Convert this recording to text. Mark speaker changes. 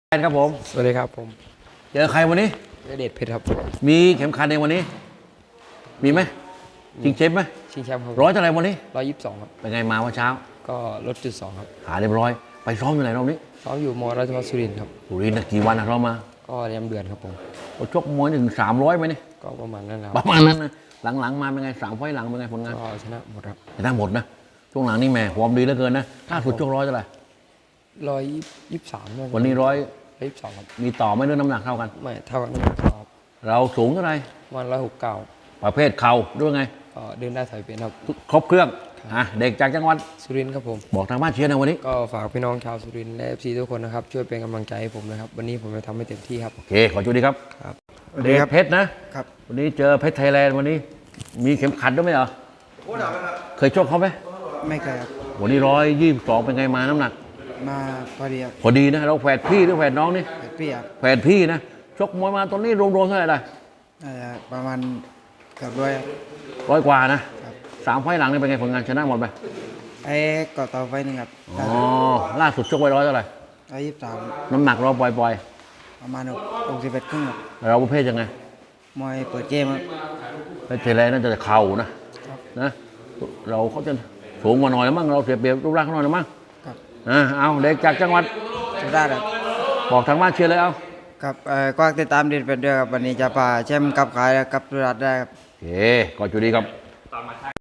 Speaker 1: ครับผม
Speaker 2: สวัสดีครับผม
Speaker 1: เจอใครวันนี้
Speaker 2: เดชเพชรครับ
Speaker 1: มีเข็มขัดในวันนี้มีไหมชิงเชฟไหม
Speaker 2: ชิงแชมป์ครับ
Speaker 1: ร้อยเท่าไหร่วันนี้
Speaker 2: 122ครับ
Speaker 1: เป็นไงมาวันเช้า
Speaker 2: ก็ลดจุด2ครับ
Speaker 1: หาเรียบร้อยไปซ้อมอยู่ไหนรอบนี้
Speaker 2: ซ้อมอยู่มราชภัฏสุรินทร์ครับ
Speaker 1: สุรินทร์นะกี่วันนะเรามา
Speaker 2: ก็เรียมเดือนครับผม
Speaker 1: ชกมวยถึง300ไหมนี่
Speaker 2: ก็ประมาณนั้นแล้ว
Speaker 1: ประมาณนั้นนะหลังๆมาเป็นไง3 ไฟล์หลังเป็นไงผลงาน
Speaker 2: ก็ชนะหมดครับ
Speaker 1: ชนะหมดนะช่วงหลังนี่แม่ความดีเหลือเกินนะถ้าสุดชกร้อยเท่าไหร่
Speaker 2: 123
Speaker 1: วันนี้
Speaker 2: 122ครับ
Speaker 1: มีต่อไม่เรื่องน้ำหนักเท่ากัน
Speaker 2: ไม่เท่ากันครับ
Speaker 1: เราสูงเท่าไหร่
Speaker 2: วัน169
Speaker 1: ประเภทเข่าด้วยไง
Speaker 2: ก็เดินได้ถอยเป็นครับ
Speaker 1: ครบเครื่องเด็กจากจังหวัด
Speaker 2: สุรินทร์ครับผม
Speaker 1: บอกทางบ้านเชียร์นะวันนี้
Speaker 2: ก็ฝากพี่น้องชาวสุรินทร์และ FC ทุกคนนะครับช่วยเป็นกำลังใจให้ผมนะครับวันนี้ผมจะทำให้เต็มที่ครับ
Speaker 1: โอเคขอจุดดีครับ
Speaker 2: ครับ
Speaker 1: เดชเพชรนะครับวันนี้เจอเพชรไทยแลนด์วันนี้มีเข็มขัดด้วยไหมเหรอเคยชกเขาไหม
Speaker 3: ไม่เคยครับ
Speaker 1: วันนี้122เป็นไงมาน้ำหนัก
Speaker 3: มาพอดีครับ
Speaker 1: พอดีนะเราแฝดพี่หรือแฝดน้องนี่
Speaker 3: 8 ปีครับ
Speaker 1: แฝดพี่นะชกมวยมาตอนนี้รวมๆเท่าไหร่ได้
Speaker 3: ประมาณเกือบร้อยครับ
Speaker 1: 100 กว่านะ3 ไฟล์หลังนี่เป็นไงผลงานชนะหมดไหม
Speaker 3: ไอ้ก่อต่อไฟหนึ่งครับ
Speaker 1: อ๋อล่าสุดชกไว้100เท่าไหร่
Speaker 3: 123
Speaker 1: น้ำหนักเราปล่อย
Speaker 3: ประมาณ61ครึ่งครับ
Speaker 1: ๆเราประเภทยังไง
Speaker 3: มวยเปิดเกมครับ
Speaker 1: เพชรไทยแลนด์น่าจะเข่านะเราเขาจะสูงกว่าหน่อยแล้วมั้งเราเสียเปรียบรูปร่างเขาหน่อยแล้วมั้ง
Speaker 3: ครับ
Speaker 1: เอาเด็กจากจังหวัด
Speaker 3: สุราษฎร์ครับ
Speaker 1: บอกทางบ้านเชียร์เลยเอา
Speaker 3: ครับก็ติดตามเด็ดเป็นด้วยครับวันนี้จะพาแชมป์กับขายกับสุราษฎร์ได้ครับ
Speaker 1: โอเคก็จุดดีครับ